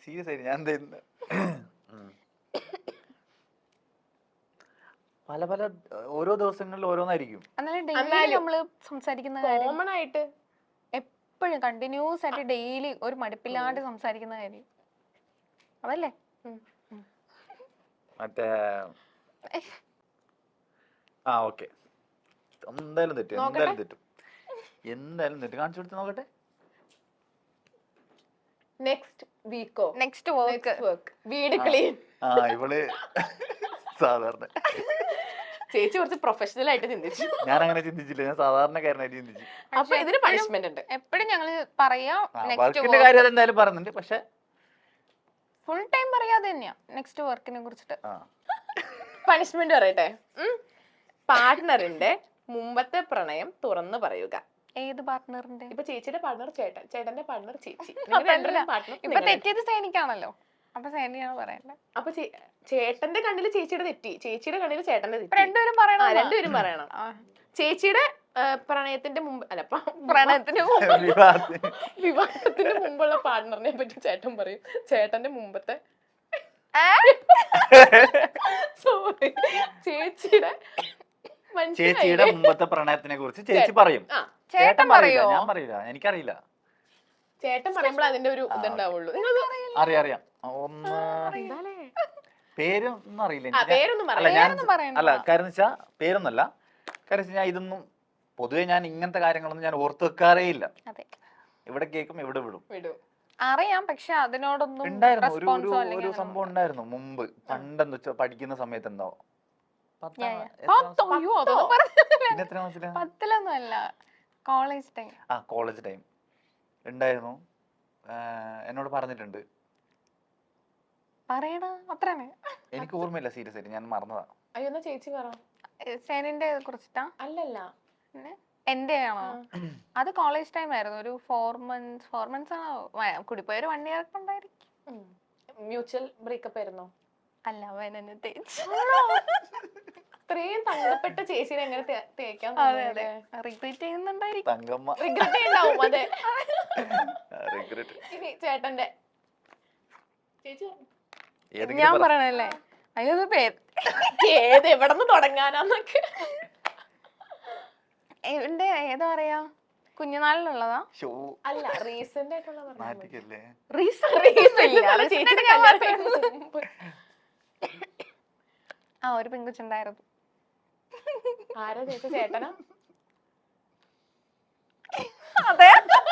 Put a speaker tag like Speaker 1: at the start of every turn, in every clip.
Speaker 1: Serious ആയിട്ട് ഞാൻ എന്താ പല പല ഓരോ ദിവസങ്ങളിൽ ഓരോന്നായിരിക്കും.
Speaker 2: നമ്മള് സംസാരിക്കുന്ന കോമൺ ആയിട്ട് എപ്പോഴും കണ്ടിന്യൂസ് ആയിട്ട് ഡെയിലി ഒരു മടുപ്പില്ലാണ്ട് സംസാരിക്കുന്ന കാര്യം അതല്ലേ?
Speaker 1: മറ്റേ ഓക്കെ, എന്തായാലും തെറ്റും, എന്തായാലും തെറ്റും. കാണിച്ചു കൊടുത്ത് നോക്കട്ടെ.
Speaker 2: നെക്സ്റ്റ് വർക്ക്
Speaker 3: വീട് ക്ലീൻ.
Speaker 1: ഇവള് സാധാരണ
Speaker 3: ചേച്ചി കുറച്ച് പ്രൊഫഷണൽ ആയിട്ട് ചിന്തിച്ചു.
Speaker 1: ഞാൻ അങ്ങനെ ചിന്തിച്ചില്ല, ഞാൻ സാധാരണക്കാരനായിട്ട് ചിന്തിച്ചു.
Speaker 3: അപ്പൊ ഇതിന് പണിഷ്മെന്റ് ഉണ്ട്.
Speaker 2: എപ്പോഴും ഞങ്ങള് പറയാ
Speaker 1: വർക്കിന്റെ കാര്യം എന്തായാലും പറയുന്നുണ്ട്, പക്ഷെ
Speaker 2: ഫുൾ ടൈം പറയാതെ തന്നെയാ നെക്സ്റ്റ് വർക്കിനെ കുറിച്ചിട്ട്.
Speaker 3: പണിഷ്മെന്റ് പറയട്ടെ. പാർട്ട്ണറിന്റെ മുമ്പത്തെ പ്രണയം തുറന്നു പറയുക.
Speaker 2: ഏത് പാർട്ട്ണറിന്റെ?
Speaker 3: ഇപ്പൊ ചേച്ചിയുടെ പാർട്ണർ ചേട്ടൻ, ചേട്ടന്റെ പാർട്ണർ ചേച്ചി.
Speaker 2: ഇപ്പൊ തെറ്റിയത് സേനിക്കാണല്ലോ, അപ്പൊ സേനിയാണ് പറയണ്ടേ.
Speaker 3: അപ്പൊ ചേട്ടന്റെ കണ്ണിൽ ചേച്ചിയുടെ തെറ്റി, ചേച്ചിയുടെ കണ്ണിൽ ചേട്ടന്റെ തെറ്റി.
Speaker 2: രണ്ടുപേരും
Speaker 3: പറയണം. ചേച്ചിയുടെ പ്രണയത്തിന്റെ മുമ്പ് അല്ല
Speaker 2: പ്രണയത്തിന്
Speaker 3: വിവാഹത്തിന് മുമ്പുള്ള പാർട്ണറിനെ പറ്റി ചേട്ടൻ പറയും. ചേട്ടന്റെ മുമ്പത്തെ സോറി
Speaker 1: ചേച്ചിയുടെ മുമ്പത്തെ പ്രണയത്തിനെ കുറിച്ച് ചേച്ചി പറയും. ചേട്ടൻ പറയോ? ഞാൻ പറയില്ല, എനിക്കറിയില്ല.
Speaker 3: ചേട്ടൻ പറയുമ്പോൾ അതിന്റെ ഒരു ഇതുണ്ടാവുള്ളൂ.
Speaker 1: അറിയാം. പേരൊന്നും അറിയില്ല, അല്ല കാര്യം വെച്ചാ പേരൊന്നല്ല, കാര്യം ഞാൻ ഇതൊന്നും പൊതുവെ ഞാൻ ഇങ്ങനത്തെ കാര്യങ്ങളൊന്നും ഞാൻ ഓർത്തു വെക്കാറേ ഇല്ല. ഇവിടെ കേൾക്കും, ഇവിടെ വിടും.
Speaker 2: അറിയാം, പക്ഷെ അതിനോടൊന്നും
Speaker 1: ഉണ്ടായിരുന്നു ഒരു സംഭവം ഉണ്ടായിരുന്നു മുമ്പ്, പണ്ടെന്ന് വെച്ചാ പഠിക്കുന്ന സമയത്ത്. എന്തോ
Speaker 2: 10ലൊന്നും അല്ല, കോളേജ് ടൈം.
Speaker 1: കോളേജ് ടൈം ഉണ്ടായിരുന്നു. എന്നോട് പറഞ്ഞിട്ടുണ്ട്.
Speaker 2: പറയടാ, അത്രയാണ്.
Speaker 1: എനിക്ക് ഓർമ്മയില്ല, സീരിയസ് ആയിട്ട് ഞാൻ മറന്നതാ.
Speaker 3: അയ്യോ ചേച്ചി പറ.
Speaker 2: സേനിന്റെ കുറിച്ചിട്ടാ?
Speaker 3: അല്ലല്ല,
Speaker 2: എന്റെ ആണോ? അത് കോളേജ് ടൈം ആയിരുന്നു. ഒരു 4 months ആണോ കൂടിപ്പോയ, ഒരു 1 year ഉണ്ടായിരിക്കും.
Speaker 3: മ്യൂച്വൽ ബ്രേക്കപ്പ് ആയിരുന്നോ?
Speaker 2: അല്ല, അവനെ തേച്ചു.
Speaker 3: ഇത്രയും തങ്കപ്പെട്ട ചേച്ചിനെ എങ്ങനെ തേക്കാൻ?
Speaker 2: റിഗ്രറ്റ് ചെയ്യുന്നുണ്ടായിരിക്കും.
Speaker 3: റിഗ്രറ്റ് ഉണ്ടാവും. അതെ, ഇനി ചേട്ടന്റെ
Speaker 2: ഞാൻ പറയണല്ലേ? അയ്യോ,
Speaker 3: ഏത് എവിടെ നിന്ന് തുടങ്ങാനാന്നൊക്കെ.
Speaker 2: ഏതാ പറയാ, കുഞ്ഞുനാളിലുള്ളതാ?
Speaker 3: അല്ല, റീസെന്റ് ആയിട്ടുള്ള
Speaker 2: ഒരു പെൺകുച്ചുണ്ടായിരുന്നു.
Speaker 3: ആരാ ചേച്ചി? ചേട്ടനാ?
Speaker 2: അതെ.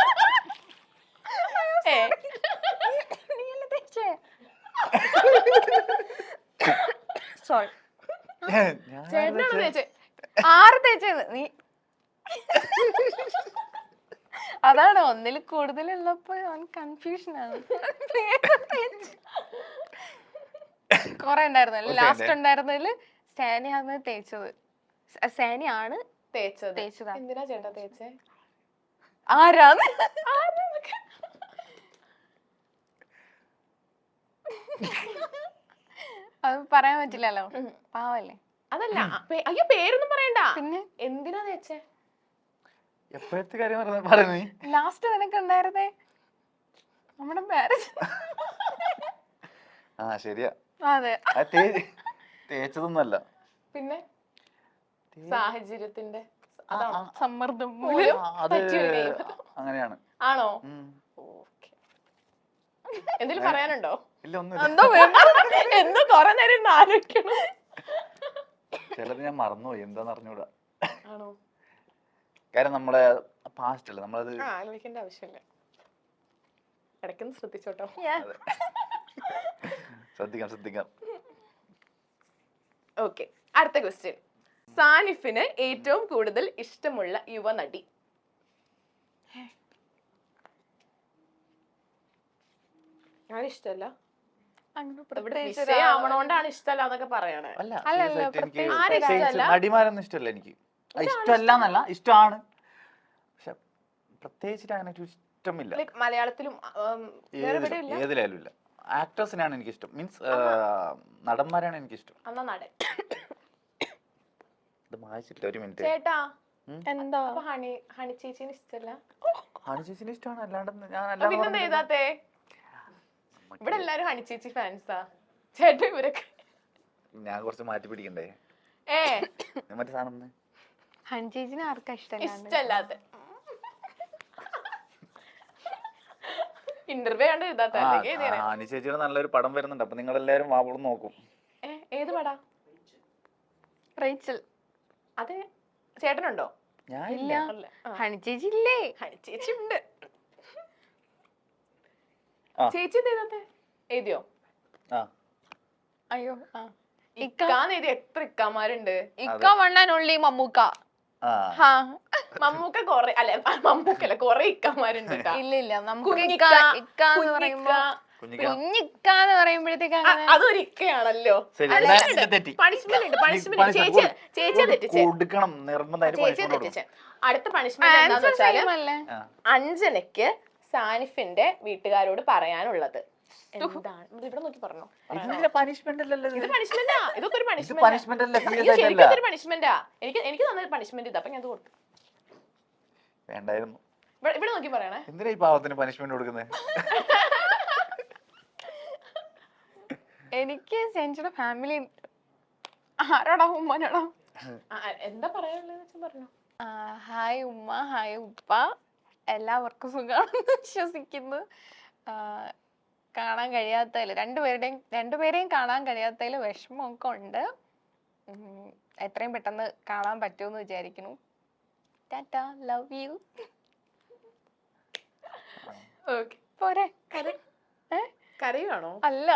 Speaker 2: സോറി,
Speaker 3: ചേട്ടനാണോ ചേച്ചി?
Speaker 2: ആറ് തേച്ചത് നീ? അതാണ്, ഒന്നിൽ കൂടുതലുള്ളപ്പോ കൺഫ്യൂഷൻ ആണ്. കൊറേ ഉണ്ടായിരുന്നു. ലാസ്റ്റ് ഉണ്ടായിരുന്നതില് സാനിയാണ് തേച്ചത്. സാനിയാണ് തേച്ചത്.
Speaker 3: എന്തിനാ ചേട്ടാ തേച്ചേ?
Speaker 2: ആരാന്ന് അത് പറയാൻ പറ്റില്ലല്ലോ, പാവല്ലേ.
Speaker 3: അതല്ല, അയ്യോ പേരൊന്നും പറയണ്ട.
Speaker 2: പിന്നെ
Speaker 3: എന്തിനാ തേച്ചേ?
Speaker 1: എപ്പോഴത്തെ കാര്യം പറയുന്നേ?
Speaker 2: ലാസ്റ്റ് നിനക്ക് ഉണ്ടായിരുന്നേ നമ്മുടെ മാരേജ്.
Speaker 1: ശരിയാ.
Speaker 2: അതെ,
Speaker 1: തേച്ചതൊന്നുമല്ല,
Speaker 3: പിന്നെ സാഹചര്യത്തിന്റെ
Speaker 2: സമ്മർദ്ദം
Speaker 1: അങ്ങനെയാണ്.
Speaker 3: ആണോ? എന്തെങ്കിലും പറയാനുണ്ടോ?
Speaker 1: ഇല്ല, ഒന്നും.
Speaker 3: എന്തോ കൊറേ നേരം ആലോചിക്കണം.
Speaker 1: ചിലത് ഞാൻ മറന്നുപോയി, എന്താന്ന് അറിഞ്ഞൂടാ.
Speaker 3: ആണോ?
Speaker 1: കാര്യം നമ്മളെ പാസ്റ്റ് അല്ലേ, നമ്മളത്
Speaker 3: ആലോചിക്കേണ്ട ആവശ്യമില്ല. ഇടയ്ക്കൊന്ന് ശ്രദ്ധിച്ചോട്ടോ.
Speaker 1: ശ്രദ്ധിക്കാം.
Speaker 3: ഓക്കെ, അടുത്ത ക്വസ്റ്റ്യൻ. സാനിഫിന് ഏറ്റവും കൂടുതൽ ഇഷ്ടമുള്ള യുവനടി? ഇഷ്ടല്ല, ആവണോണ്ടാണ് ഇഷ്ടമല്ല എന്നൊക്കെ പറയണേ.
Speaker 1: നടിമാരൊന്നും ഇഷ്ടമല്ല എനിക്ക്. ഇഷ്ടമല്ല എന്നല്ല, ഇഷ്ടമാണ്, പക്ഷെ പ്രത്യേകിച്ചിട്ട് അങ്ങനെ ഇഷ്ടമില്ല.
Speaker 3: മലയാളത്തിലും
Speaker 1: ഏതിലായാലും ഇല്ല. ആക്ടേഴ്സിനാണ് എനിക്ക് ഇഷ്ടം, മീൻസ് നടന്മാരാണ് എനിക്ക് ഇഷ്ടം.
Speaker 3: എന്നാ നടൻ.
Speaker 1: ഇത് വായിച്ചിട്ടില്ല, ഒരു മിനിറ്റ്.
Speaker 3: ചേട്ടാ, എന്താ ഹണി ചേച്ചിന് ഇഷ്ടമല്ല?
Speaker 1: ഹണി ചേച്ചിന് ഇഷ്ടമാണ്, അല്ലാണ്ട്
Speaker 3: പിന്നെ എഴുതാത്തേ? ഇവിടെ എല്ലാരും ഹണി ചേച്ചി ഫാൻസാ. ചേട്ടൻ ഇവരൊക്കെ
Speaker 1: ഞാൻ കുറച്ച് മാറ്റി പിടിക്കണ്ടേ? മറ്റേ സാധനം
Speaker 2: ഹണി ചേച്ചിനെ ആർക്കാ
Speaker 3: ഇഷ്ടല്ലാത്ത ഇന്റർവ്യൂ കണ്ട് എഴുതാത്ത
Speaker 1: ഹണി ചേച്ചിയുടെ നല്ലൊരു പടം വരുന്നുണ്ട്, അപ്പൊ നിങ്ങൾ എല്ലാരും വാവളം നോക്കും.
Speaker 3: ഏത് പടാ?
Speaker 2: റേച്ചൽ.
Speaker 3: അതെ, ചേട്ടനുണ്ടോ?
Speaker 2: ഇല്ല. ഹണി ചേച്ചി ഇല്ലേ?
Speaker 3: ഹണി ചേച്ചി ഉണ്ട്. ചേച്ചി എഴുതാത്തെ എഴുതിയോ?
Speaker 2: അയ്യോ,
Speaker 3: ഇക്കാന്ന് എഴുതി എത്ര ഇക്കാമാരുണ്ട്.
Speaker 2: ഇക്ക വണ്ണാനുള്ളി മമ്മൂക്ക.
Speaker 3: മമ്മൂക്ക കൊറേ, അല്ല മമ്മൂക്കല്ല, കൊറേ ഇക്കമാരുണ്ട്.
Speaker 2: ഇല്ല, കുഞ്ഞിക്കാന്ന് പറയുമ്പോഴത്തേക്ക്
Speaker 3: അതൊരു ഇക്കയാണല്ലോ. പണിഷ്മെന്റ് ഉണ്ട്. ചേച്ചിയെ തെറ്റിച്ച് അടുത്ത പണിഷ്മെന്റ് എന്താന്ന് വെച്ചാല് അഞ്ജനയ്ക്ക് സാനിഫിന്റെ വീട്ടുകാരോട് പറയാനുള്ളത് എന്താണ്? ഇവിടെ നോക്കി പറഞ്ഞോ. ഇത് പണിഷ്മെന്റാ. ഇതൊക്കെ ഒരു പണിഷ്മെന്റാ. എനിക്ക് തന്ന പണിഷ്മെന്റ് ഇതാ, അപ്പൊ ഞാൻ കൊടുത്തു.
Speaker 1: വേണ്ടായിരുന്നു.
Speaker 3: ഇവിടെ നോക്കി പറയണേ.
Speaker 1: എന്തിനാ ഈ പാവത്തിന് പണിഷ്മെന്റ് കൊടുക്കുന്നത്?
Speaker 2: എനിക്ക് സെഞ്ചുടെ ഫാമിലി ആരോടാ? ഉമ്മനോടാ.
Speaker 3: എന്താ പറയാനുള്ളത് പറഞ്ഞു.
Speaker 2: ഹായ് ഉമ്മ, ഹായ് ഉപ്പ, എല്ലാവർക്കും സുഖമാണെന്ന് വിശ്വസിക്കുന്നു. കാണാൻ കഴിയാത്തതിൽ രണ്ടുപേരെയും കാണാൻ കഴിയാത്തതിൽ വിഷമമൊക്കെ ഉണ്ട്. എത്രയും പെട്ടെന്ന് കാണാൻ പറ്റുമെന്ന് വിചാരിക്കുന്നു. Tata, love you. പോരെ?
Speaker 3: കരയുവാണോ?
Speaker 2: അല്ല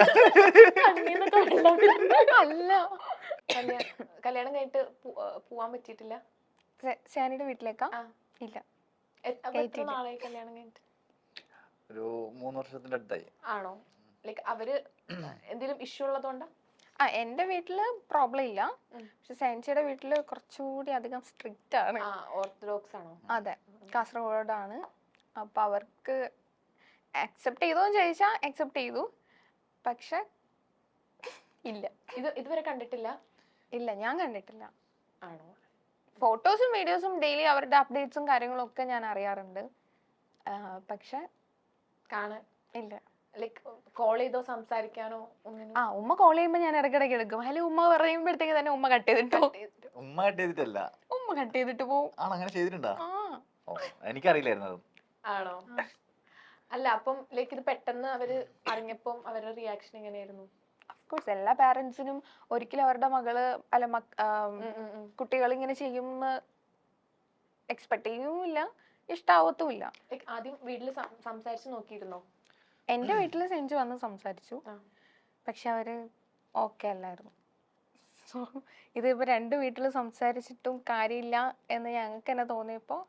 Speaker 2: അല്ല,
Speaker 3: കല്യാണം കഴിഞ്ഞിട്ട് പോവാൻ പറ്റിയിട്ടില്ല.
Speaker 2: സാനിയുടെ വീട്ടിലേക്കാ? ഇല്ല.
Speaker 3: നാളായി കല്യാണം കഴിഞ്ഞിട്ട്?
Speaker 1: ഒരു 3 വർഷത്തിന്റെ അടുത്തായി.
Speaker 3: ആണോ? ലൈക്ക് അവര് എന്തെങ്കിലും ഇഷ്യൂ ഉള്ളതുകൊണ്ടാ?
Speaker 2: എന്റെ വീട്ടില് പ്രോബ്ലം ഇല്ല, പക്ഷെ സാൻസിയുടെ വീട്ടില് കുറച്ചുകൂടി അധികം സ്ട്രിക്റ്റ് ആണ്.
Speaker 3: ഓർത്തഡോക്സ് ആണോ?
Speaker 2: അതെ, കാസർഗോഡാണ്. അപ്പൊ അവർക്ക് അക്സെപ്റ്റ് ചെയ്തോന്ന് ചോദിച്ചാ അക്സെപ്റ്റ് ചെയ്തു, പക്ഷെ ഇല്ല.
Speaker 3: ഇതുവരെ കണ്ടിട്ടില്ല?
Speaker 2: ഇല്ല, ഞാൻ കണ്ടിട്ടില്ല.
Speaker 3: ആണോ?
Speaker 2: ഫോട്ടോസും വീഡിയോസും ഡെയിലി അവരുടെ അപ്ഡേറ്റ്സും കാര്യങ്ങളും ഒക്കെ ഞാൻ അറിയാറുണ്ട്, പക്ഷെ
Speaker 3: കാണാൻ
Speaker 2: ഇല്ല.
Speaker 3: ലൈക്ക് കോൾ ചെയ്തോ സംസാരിക്കാനോ ഒന്നിനും?
Speaker 2: ഉമ്മ കോൾ ചെയ്യുമ്പോ ഞാൻ ഇടയ്ക്കിടയ്ക്ക് എടുക്കും. ഹലോ ഉമ്മ പറയുമ്പോഴത്തേക്ക് തന്നെ ഉമ്മ കട്ട് ചെയ്തിട്ടോ.
Speaker 1: ഉമ്മ കട്ട് ചെയ്തിട്ടല്ല,
Speaker 2: ഉമ്മ കട്ട് ചെയ്തിട്ട് പോവും.
Speaker 1: അങ്ങനെ ചെയ്തിട്ടുണ്ടോ? എനിക്കറിയില്ലായിരുന്നു.
Speaker 3: ആണോ? അല്ല, അപ്പം ലൈക്ക് ഇത് പെട്ടെന്ന് അവര് അറിഞ്ഞപ്പം അവരുടെ റിയാക്ഷൻ എങ്ങനെയായിരുന്നു?
Speaker 2: ഓഫ്കോഴ്സ് എല്ലാ പാരന്റ്സിനും ഒരിക്കലും അവരുടെ മകള് അല്ല കുട്ടികൾ ഇങ്ങനെ ചെയ്യുമെന്ന് എക്സ്പെക്ട് ചെയ്യുമില്ല, ഇഷ്ടാവത്തുമില്ല.
Speaker 3: ആദ്യം വീട്ടില് സംസാരിച്ചു നോക്കിയിരുന്നോ?
Speaker 2: എന്റെ വീട്ടില് സെഞ്ചു വന്ന് സംസാരിച്ചു, പക്ഷെ അവര് ഓക്കെ അല്ലായിരുന്നു. സോ ഇതിപ്പോ 2 വീട്ടില് സംസാരിച്ചിട്ടും കാര്യമില്ല എന്ന് ഞങ്ങൾക്ക് തന്നെ തോന്നിയപ്പോ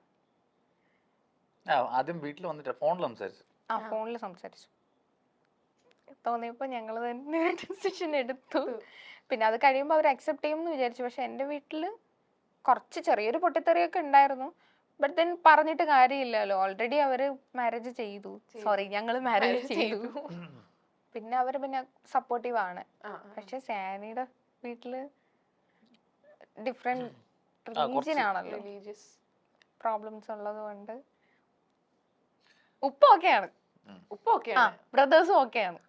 Speaker 1: ആദ്യം വീട്ടിൽ വന്നിട്ട് ഫോണിൽ
Speaker 2: സംസാരിച്ചു തോന്നിയപ്പോ ഞങ്ങള് തന്നെ ഡിസിഷൻ എടുത്തു. പിന്നെ അത് കഴിയുമ്പോ അവർ അക്സെപ്റ്റ് ചെയ്യുമെന്ന് വിചാരിച്ചു. പക്ഷെ എന്റെ വീട്ടില് കുറച്ച് ചെറിയൊരു പൊട്ടിത്തെറിയൊക്കെ ഉണ്ടായിരുന്നു. ബട്ട് ദെൻ പറഞ്ഞിട്ട് കാര്യമില്ലല്ലോ, ഓൾറെഡി അവര് മാരേജ് ചെയ്തു. ഞങ്ങള് മാരേജ് ചെയ്തു. പിന്നെ അവര് പിന്നെ സപ്പോർട്ടീവ് ആണ്. പക്ഷെ സാനിയുടെ വീട്ടില് ഡിഫറെന്റ് റിലീജിയൻ ആണല്ലോ, പ്രോബ്ലംസ് ഉള്ളത് കൊണ്ട്. ഉപ്പ ഓക്കെയാണ്, ബ്രദേഴ്സും ഓക്കെയാണ്.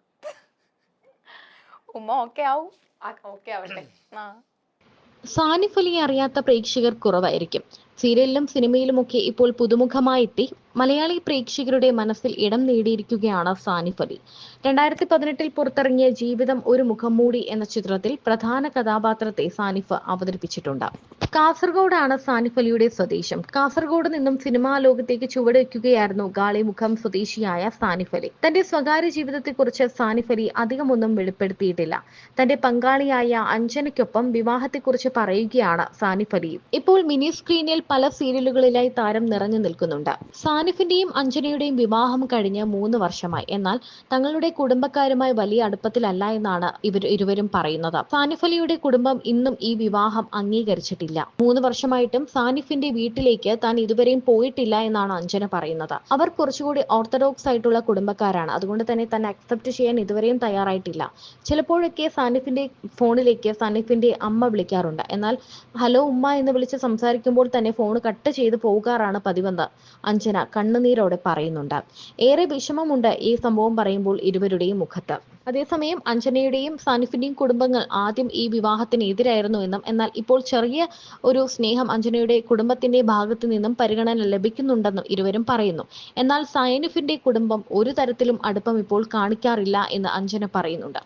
Speaker 2: ഉമ്മ ഓക്കെ ആവും.
Speaker 3: ഓക്കെ ആവട്ടെ.
Speaker 4: സാനിഫ് അലിയെ അറിയാത്ത പ്രേക്ഷകർ കുറവായിരിക്കും. സീരിയലിലും സിനിമയിലുമൊക്കെ ഇപ്പോൾ പുതുമുഖമായെത്തി മലയാളി പ്രേക്ഷകരുടെ മനസ്സിൽ ഇടം നേടിയിരിക്കുകയാണ് സാനിഫ് അലി. 2018 പുറത്തിറങ്ങിയ ജീവിതം ഒരു മുഖംമൂടി എന്ന ചിത്രത്തിൽ പ്രധാന കഥാപാത്രത്തെ സാനിഫ് അവതരിപ്പിച്ചിട്ടുണ്ട്. കാസർഗോഡാണ് സാനിഫ് അലിയുടെ സ്വദേശം. കാസർഗോഡ് നിന്നും സിനിമാ ലോകത്തേക്ക് ചുവടുവെക്കുകയായിരുന്നു ഗാളിമുഖം സ്വദേശിയായ സാനിഫ് അലി. തന്റെ സ്വകാര്യ ജീവിതത്തെക്കുറിച്ച് സാനിഫ് അലി അധികമൊന്നും വെളിപ്പെടുത്തിയിട്ടില്ല. തന്റെ പങ്കാളിയായ അഞ്ജനയ്ക്കൊപ്പം വിവാഹത്തെക്കുറിച്ച് പറയുകയാണ് സാനിഫ് അലി. ഇപ്പോൾ മിനി സ്ക്രീനിൽ പല സീരിയലുകളിലായി താരം നിറഞ്ഞു നിൽക്കുന്നുണ്ട്. സാനിഫിന്റെയും അഞ്ജനയുടെയും വിവാഹം കഴിഞ്ഞ് 3 വർഷമായി. എന്നാൽ തങ്ങളുടെ കുടുംബക്കാരുമായി വലിയ അടുപ്പത്തിലല്ല എന്നാണ് ഇരുവരും പറയുന്നത്. സാനിഫ് അലിയുടെ കുടുംബം ഇന്നും ഈ വിവാഹം അംഗീകരിച്ചിട്ടില്ല. 3 വർഷമായിട്ടും സാനിഫിന്റെ വീട്ടിലേക്ക് താൻ ഇതുവരെയും പോയിട്ടില്ല എന്നാണ് അഞ്ജന പറയുന്നത്. അവർ കുറച്ചുകൂടി ഓർത്തഡോക്സ് ആയിട്ടുള്ള കുടുംബക്കാരാണ്. അതുകൊണ്ട് തന്നെ അക്സെപ്റ്റ് ചെയ്യാൻ ഇതുവരെയും തയ്യാറായിട്ടില്ല. ചിലപ്പോഴൊക്കെ സാനിഫിന്റെ ഫോണിലേക്ക് സാനിഫിന്റെ അമ്മ വിളിക്കാറുണ്ട്. എന്നാൽ ഹലോ ഉമ്മ എന്ന് വിളിച്ച് സംസാരിക്കുമ്പോൾ തന്നെ പിന്നെ ഫോൺ കട്ട് ചെയ്ത് പോകാറാണ് പതിവെന്ന് അഞ്ജന കണ്ണുനീരോടെ പറയുന്നുണ്ട്. ഏറെ വിഷമമുണ്ട് ഈ സംഭവം പറയുമ്പോൾ ഇരുവരുടെയും മുഖത്ത്. അതേസമയം അഞ്ജനയുടെയും സാനിഫിന്റെയും കുടുംബങ്ങൾ ആദ്യം ഈ വിവാഹത്തിന് എതിരായിരുന്നു എന്നും എന്നാൽ ഇപ്പോൾ ചെറിയ ഒരു സ്നേഹം അഞ്ജനയുടെ കുടുംബത്തിന്റെ ഭാഗത്തു നിന്നും പരിഗണന ലഭിക്കുന്നുണ്ടെന്നും ഇരുവരും പറയുന്നു. എന്നാൽ സാനിഫിന്റെ കുടുംബം ഒരു തരത്തിലും അടുപ്പം ഇപ്പോൾ കാണിക്കാറില്ല എന്ന് അഞ്ജന പറയുന്നുണ്ട്.